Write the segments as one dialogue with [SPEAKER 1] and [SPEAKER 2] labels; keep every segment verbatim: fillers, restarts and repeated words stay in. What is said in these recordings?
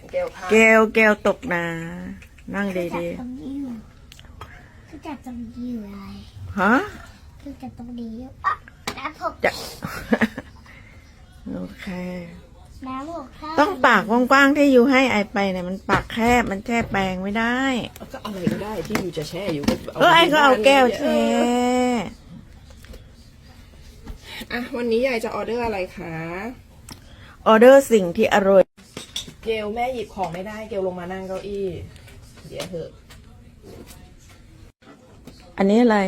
[SPEAKER 1] เกลค่ะ
[SPEAKER 2] เกลเกลตกนะนั่งดี
[SPEAKER 3] คือจับตรงนี้อยู่คือจับตรงนี้อยู่อะไร
[SPEAKER 2] ๆฮะ
[SPEAKER 3] คือจับตรงนี้อยู่อ่ะน้ำหก
[SPEAKER 2] จะ โอเค
[SPEAKER 3] น้ำหกข้าว
[SPEAKER 2] ต้องปากกว้างๆที่อยู่ให้ไอไปเนี่ยมันปากแคบมันแช่แปลงไม่ได้
[SPEAKER 1] ก็อะไรก็ได้ที่อยู่จะแช่อยู่ก็
[SPEAKER 2] เออไอก็เอาแก้วแช่
[SPEAKER 1] อ่ะวันนี้ยายจะออเดอร์อะไรคะ
[SPEAKER 2] ออเดอร์สิ่งที่อร่อย
[SPEAKER 1] เกลแม่หยิบของไม่ได้เกลลงมานั่งเก้าอี้เดี๋ยวเถอะ
[SPEAKER 2] อันนี้อะไร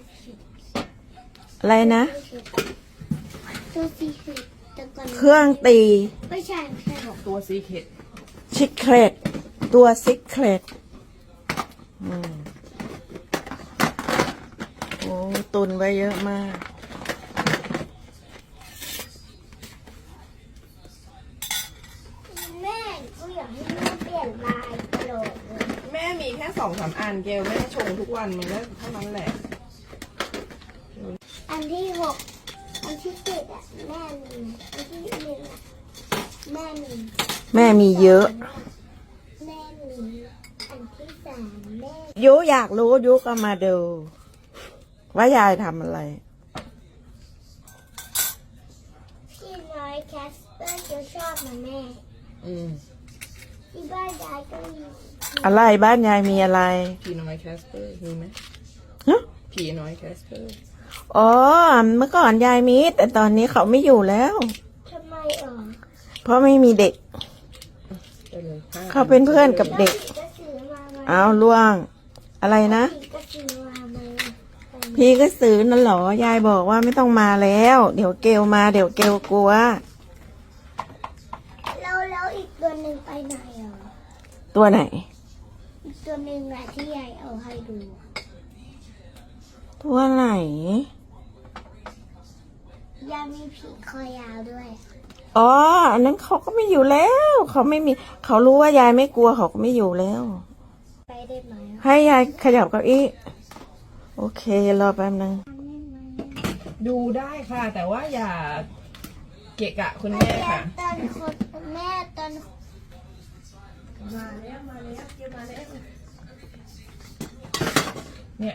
[SPEAKER 2] อะไรนะ
[SPEAKER 3] ตัวสีคือตะกอน
[SPEAKER 2] เครื่องตี
[SPEAKER 3] ไม่ใช่ไม่ใช่
[SPEAKER 1] ตัวซีเคท
[SPEAKER 2] ชิคเครตตัวซิกเครตอืมโอ้ตุนไว้เยอะมาก
[SPEAKER 3] แม่ก็อยากให้แม่เปลี่ยนลายตลอดเลย
[SPEAKER 1] แม่มีแค่สองสามอันเกลแม่ชงทุกวันมันก็เท่านั้นแหละ
[SPEAKER 3] อันที่หกอันที่เจ็ดอ่ะแม่มีอันที่หนึ่งอ่ะแม่มี
[SPEAKER 2] แม่มีเยอะ
[SPEAKER 3] แม่มีอันที่สามแม่
[SPEAKER 2] ยุอยากรู้ยุก็มาดู ว่ายายทำอะไร
[SPEAKER 3] ที่น้อยแคสเปอร์จะชอบนะแม่
[SPEAKER 1] อืม
[SPEAKER 3] ที่บ้านยายก็มี
[SPEAKER 2] อะไรบ้านยายมีอะไร
[SPEAKER 1] ผีน้อยแคสเปอร์มีไหม
[SPEAKER 2] ฮะ
[SPEAKER 1] ผีน้อยแคสเปอร์
[SPEAKER 2] อ๋อเมื่อก่อนยายมีแต่ตอนนี้เขาไม่อยู่แล้ว
[SPEAKER 3] ทำไมอ่ะ
[SPEAKER 2] เพราะไม่มีเด็ก
[SPEAKER 1] ไปเลยห้
[SPEAKER 2] เขาเป็นเพื่อนกับเด็ก
[SPEAKER 3] ผีก็ซื้อมาไหม
[SPEAKER 2] เอาล่วง อะไรนะ
[SPEAKER 3] ผีก็ซื้อมาไหม
[SPEAKER 2] พี่ก็ซื้อนั่นเหรอยายบอกว่าไม่ต้องมาแล้ว เดี๋ยวเกลมาเดี๋ยวเกลกลัว
[SPEAKER 3] แล้วแล้วอีกตัวหนึ่งไปไหนอ่ะ
[SPEAKER 2] ตัวไหน
[SPEAKER 3] อีกตัวหนึ่งอ่ะที่ยายเอาให้ดู
[SPEAKER 2] ตัวไหน
[SPEAKER 3] ยายมีผีคอยาวด้วย
[SPEAKER 2] อ๋ออันนั้นเขาก็ไม่อยู่แล้ว เขาไม่มี เขารู้ว่ายายไม่กลัวเขาก็ไม่อยู่แล้ว
[SPEAKER 3] ไปได้ไหมอ่ะ
[SPEAKER 2] ให้ยายขยับเก้าอี้โอเครอแป๊บนึง
[SPEAKER 3] ทำได้ไหม
[SPEAKER 1] ดูได้ค่ะ แต่ว่าอย่าเกะกะคุณ
[SPEAKER 3] แม่
[SPEAKER 1] แม่ค่ะ
[SPEAKER 3] ตอนคนแม่ตอน
[SPEAKER 1] มาแล้วมาแล้วเกมาแล้วเนี่ย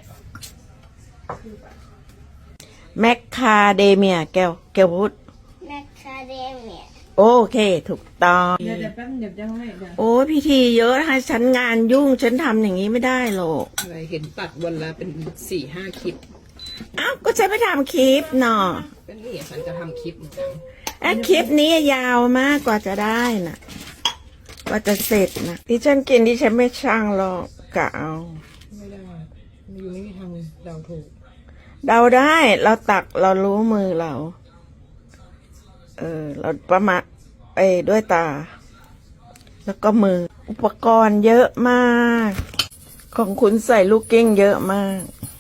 [SPEAKER 2] แมคคาเดเมียแก้วแก้วพูด
[SPEAKER 3] แมคคาเดเมีย
[SPEAKER 2] โอเค ถูกต้อง
[SPEAKER 1] เดี๋ยวเดี๋ยวแป๊บเดี๋ยวจะให้เดี๋ยว
[SPEAKER 2] โอ้พิธีเยอะนะคะฉันงานยุ่ง ฉันทำอย่างนี้ไม่ได้หรอก
[SPEAKER 1] อะไรเห็นตัดวันละเป็นสี่ห้าคลิป
[SPEAKER 2] อ้าวก็ฉันไปทำคลิปเนาะ
[SPEAKER 1] เป็นนี่ฉันจะทำคลิปเหมือนกัน
[SPEAKER 2] ไอ้คลิปนี้ยาวมากกว่าจะได้น่ะกว่าจะเสร็จนะที่ฉันกินที่ฉันไม่ช่างหรอกกะเอา
[SPEAKER 1] ไม่ได้อยู่ไม่มีทางเดาถูก
[SPEAKER 2] เดาได้เราตักเรารู้มือเรา เออ เราประมาณเอ้ยด้วยตา แล้วก็มือ อุปกรณ์เยอะมาก ของคุณใส่ลูกเก้งเยอะมาก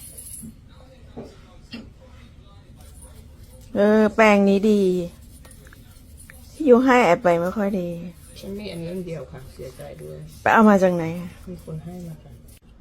[SPEAKER 2] เออ แปรงนี้ดีที่อยู่ให้แอบไปไม่ค่อยดี
[SPEAKER 1] ฉันมีอันนั้นเดียวค่ะ เสียใจด้วย
[SPEAKER 2] ไปเอามาจากไหน
[SPEAKER 1] มีคนให้มาค่ะ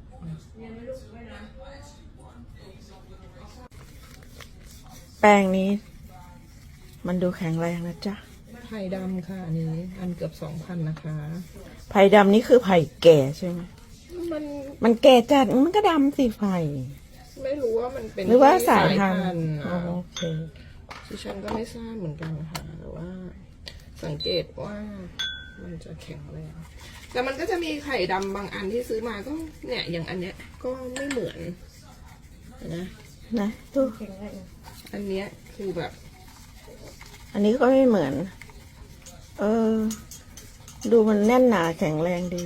[SPEAKER 2] แป้งนี้ มันดูแข็งแรงนะจ๊ะ
[SPEAKER 1] ไผ่ดำค่ะอันนี้ อันเกือบสองพันนะคะ
[SPEAKER 2] ไผ่ดำนี่คือไผ่แก่ใช่ไหม
[SPEAKER 1] มัน
[SPEAKER 2] มันแก่จัดมันก็ดำสิไผ่
[SPEAKER 1] ไม่รู้ว่ามันเป็น
[SPEAKER 2] หรือว่าสาย
[SPEAKER 1] ที่
[SPEAKER 2] พันธุ์
[SPEAKER 1] ธุ์
[SPEAKER 2] อ๋อ
[SPEAKER 1] อ่ะ
[SPEAKER 2] โอเค
[SPEAKER 1] ที่ฉันก็ไม่ทราบเหมือนกันค่ะแต่ว่า สังเกตว่ามันจะแข็งแรงแต่มันก็จะมีไข่ดำบางอันที่ซื้อมาก็เนี่ยอย่างอันเนี้ยก็ไม่เหมือนนะ
[SPEAKER 2] นะดู
[SPEAKER 1] อันเนี้ยคือแบบ
[SPEAKER 2] อันนี้ก็ไม่เหมือน เออ ดูมันแน่นหนาแข็งแรงดี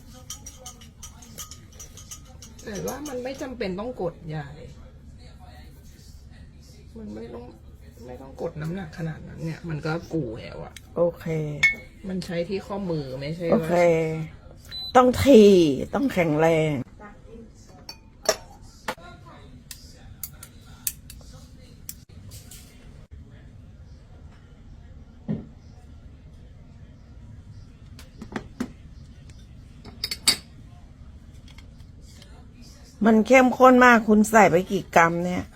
[SPEAKER 1] แต่ว่ามันไม่จำเป็นต้องกดใหญ่ มันไม่ต้องไม่ต้องกดน้ำหนักขนาดนั้นเนี่ย มันก็กูแล้วอะ
[SPEAKER 2] โอเค
[SPEAKER 1] มันใช้ที่ข้อมือไม่ใช่
[SPEAKER 2] โอ
[SPEAKER 1] ว่า
[SPEAKER 2] เค ต้องทีต้องแข็งแรง มันเข้มข้นมากคุณใส่ไปกี่กรัมเนี่ย